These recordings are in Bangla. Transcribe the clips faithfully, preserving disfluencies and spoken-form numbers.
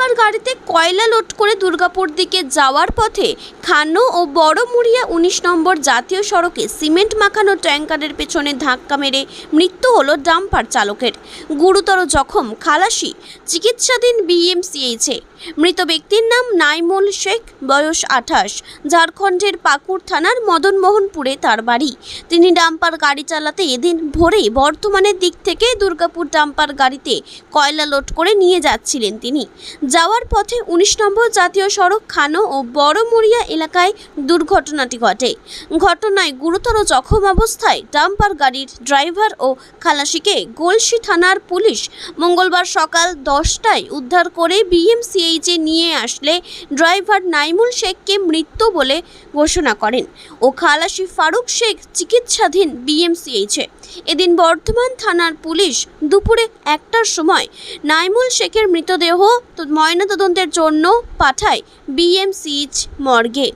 ডাম্পার গাড়িতে কয়লা লোড করে দুর্গাপুর দিকে যাওয়ার পথে খানো ও বড়মুড়িয়া উনিশ নম্বর জাতীয় সড়কে সিমেন্ট মাখানো ট্যাঙ্কারের পেছনে ধাক্কা মেরে মৃত্যু হলো ডাম্পার চালকের। গুরুতর জখম খালাসি, চিকিৎসাধীন বিএমসিএইচে। মৃত ব্যক্তির নাম নাইমুল শেখ, বয়স আঠাশ, ঝাড়খণ্ডের পাকুড় থানার মদনমোহনপুরে তার বাড়ি। তিনি ডাম্পার গাড়ি চালাতে এদিন ভোরে বর্ধমানের দিক থেকে দুর্গাপুর ডাম্পার গাড়িতে কয়লা লোড করে নিয়ে যাচ্ছিলেন। তিনি যাওয়ার পথে উনিশ নম্বর জাতীয় সড়ক খানো ও বড়মুড়িয়া এলাকায় দুর্ঘটনাটি ঘটে। ঘটনায় গুরুতর জখম অবস্থায় ডাম্পার গাড়ির ড্রাইভার ও খালাসিকে গলসি থানার পুলিশ মঙ্গলবার সকাল দশটায় উদ্ধার করে বিএমসিএইচে নিয়ে আসলে ড্রাইভার নাইমুল শেখকে মৃত বলে ঘোষণা করেন ও খালাসি ফারুক শেখ চিকিৎসাধীন বিএমসিএইচে। এদিন বর্ধমান থানার পুলিশ দুপুরে একটার সময় নাইমুল শেখের মৃতদেহ ময়নাতদন্তের জন্য পাঠায় বিএমসিএইচ মর্গে।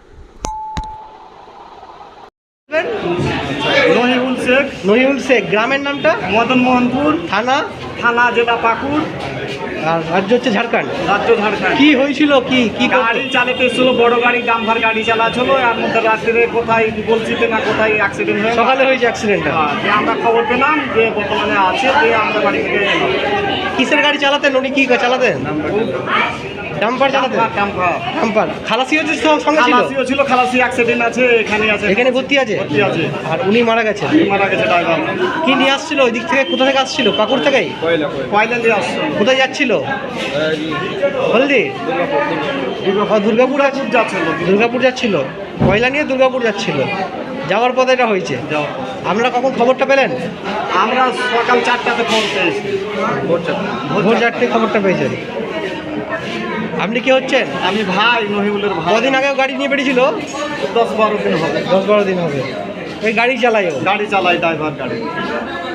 নহিউল শেখ। নহিউল শেখ, গ্রামের নামটা? মদনমোহনপুর, থানা? থানা জেলা পাকুড়, আর রাজ্য হচ্ছে ঝাড়খণ্ড। রাজ্য ঝাড়খণ্ড। কি হয়েছিল? কি কি গাড়ি চালাতে ছিল, বড় গাড়ি ডাম্পার গাড়ি চালাচ্ছিল। আর মধ্যে রাত্রে কোথায় বলছিতে না কোথায় অ্যাক্সিডেন্ট হয়ে সকালে হয়েছে অ্যাক্সিডেন্টটা? হ্যাঁ, যে আমরা খবর পেলাম যে বর্তমানে আছে, যে আমরা বাড়ি থেকে এলাম। কিসের গাড়ি চালাতেন উনি? কি চালাতেন? ডাম্পার চালাতেন? ডাম্পার। ডাম্পার। খালাসি হচ্ছে সঙ্গে ছিল? খালাসিও ছিল, খালাসি অ্যাক্সিডেন্ট আছে, এখানে আছে, এখানে ভর্তি আছে? ভর্তি আছে। আর উনি মারা গেছেন? মারা গেছে ড্রাইভার। কি নিয়ে আসছিল ওই দিক থেকে? কোথা থেকে আসছিল? পাকুড় থেকেই? কয়লা দিয়ে আসছিল। কোথায় যাচ্ছিল? হলদি? দুর্গাপুর আছে, যাচ্ছিল। দুর্গাপুর যাচ্ছিল, কয়লা নিয়ে দুর্গাপুর যাচ্ছিল। যাওয়ার পথে এটা হয়েছে। আপনারা কখন খবরটা পেলেন? আমরা সকাল চারটাতে খবর পেয়েছি। ভোর চারটে খবরটা পেয়েছেন। আপনি কি হচ্ছেন? আমি ভাই, নহিউলের ভাই। কদিন আগেও গাড়ি নিয়ে বেরিয়েছিল? দশ বারো দিন হবে। দশ বারো দিন হবে। ওই গাড়ি চালায় ও? গাড়ি চালাই, ড্রাইভার গাড়ি।